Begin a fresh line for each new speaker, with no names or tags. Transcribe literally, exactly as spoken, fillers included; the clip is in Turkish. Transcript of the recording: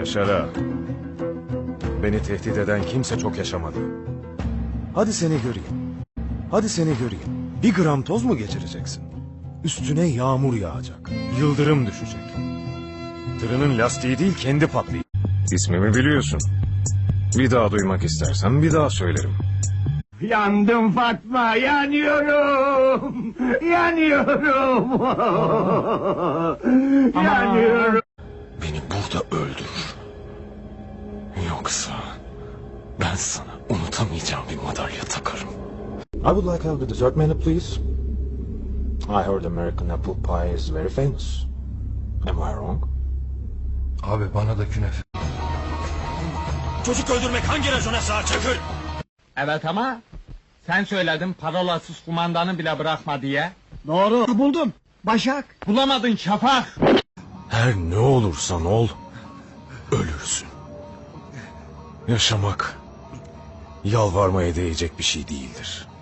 Yaşar ağa. Beni tehdit eden kimse çok yaşamadı. Hadi seni göreyim. Hadi seni göreyim. Bir gram toz mu geçireceksin? Üstüne yağmur yağacak. Yıldırım düşecek. Tırının lastiği değil kendi patlayacak. İsmimi biliyorsun. Bir daha duymak istersen bir daha söylerim.
Yandım Fatma, yanıyorum, yanıyorum, yanıyorum.
Beni burada öldür. Yoksa ben sana unutamayacağım bir madalya takarım.
I would like to have the dessert menu, please. I heard American apple pie is very famous. Am I wrong?
Abi bana da künefe.
Çocuk öldürmek hangi racona sığar Çakır?
Evet ama sen söyledin parolasız kumandanı bile bırakma diye.
Doğru, buldum. Başak.
Bulamadın Şafak.
Her ne olursan ol, ölürsün. Yaşamak, yalvarmaya değecek bir şey değildir.